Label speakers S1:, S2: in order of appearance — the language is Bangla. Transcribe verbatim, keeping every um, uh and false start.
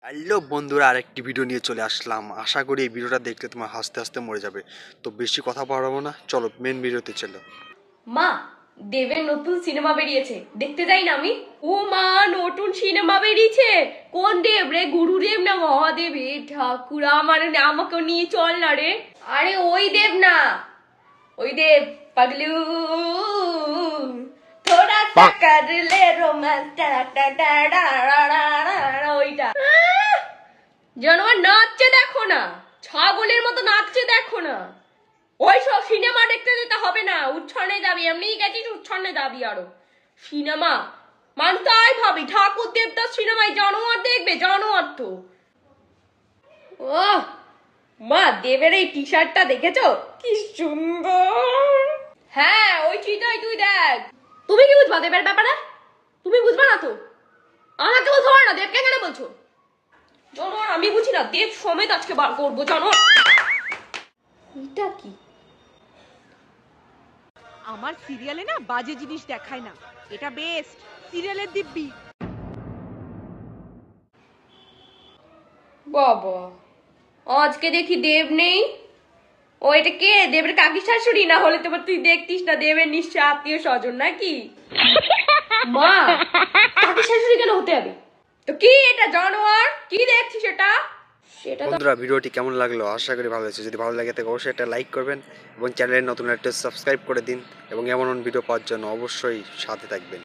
S1: হ্যালো বন্ধুরা, আরেকটি ভিডিও নিয়ে চলে আসলাম। আশা করি এই ভিডিওটা দেখলে তোমার হাসতে হাসতে মরে যাবে। তো বেশি কথা বাড়াবো না, চলো মেন ভিডিওতে চলো।
S2: মা, দেবের নতুন সিনেমা বেরিয়েছে, দেখতে যাই না আমি? ও মা, নতুন সিনেমা বেরিয়েছে? কোন দেব রে, গুরুদেব না মহাদেব? এ ঠাকুর, আমার আমাকে নিয়ে চল না রে। আরে ওই দেব না, ওই দেব পাগলু, থোড়া সা কর লে রোমান্স, টা টা টা টা ওইটা। জানোয়ার নাচছে দেখো না, ছাগলের মতো নাচছে দেখো না। ওই সব সিনেমা দেখতে যেতে হবে না, উচ্ছন্নে যাবি, এমনিই গেছিস উচ্ছন্নে যাবি। আরো সিনেমা মান তাই ভাবি, ঠাকুর দেবতার সিনেমায় জানোয়ার দেখবে? জানোয়ার তো। ও মা, দেবের এই টি শার্টটা দেখেছো কি সুন্দর? হ্যাঁ ওই চিটাই, তুই দেখ। তুমি কি বুঝবা দেবের ব্যাপারে? তুমি বুঝবা না তো, আমাকে বলছো না, দেবকে কেন বলছো? জানোয়ার আমি বুঝি না, দেব সমেত আজকে বার করবো জানোয়ার। এটা কি?
S3: আমার সিরিয়ালে না বাজে জিনিস দেখায় না, এটা বেস্ট সিরিয়ালের দিব্যি।
S2: বাবা, আজকে দেখি দেব নেই। ও এটা কে? দেবের কাকি শাশুড়ি? না হলে তোমার তুই দেখতিস না, দেবের নিশ্চয় আত্মীয় স্বজন নাকি? মা, কাকি শাশুড়ি কেন হতে হবে? তো কি এটা জানোয়ার? কি দেখছিস এটা? সেটা তো
S1: বন্ধুরা, ভিডিওটি কেমন লাগলো? আশা করি ভালো হয়েছে। যদি ভালো লাগে তাহলে অবশ্যই একটা লাইক করবেন এবং চ্যানেলে নতুন একটা সাবস্ক্রাইব করে দিন এবং এমন ভিডিও পাওয়ার জন্য অবশ্যই সাথে থাকবেন।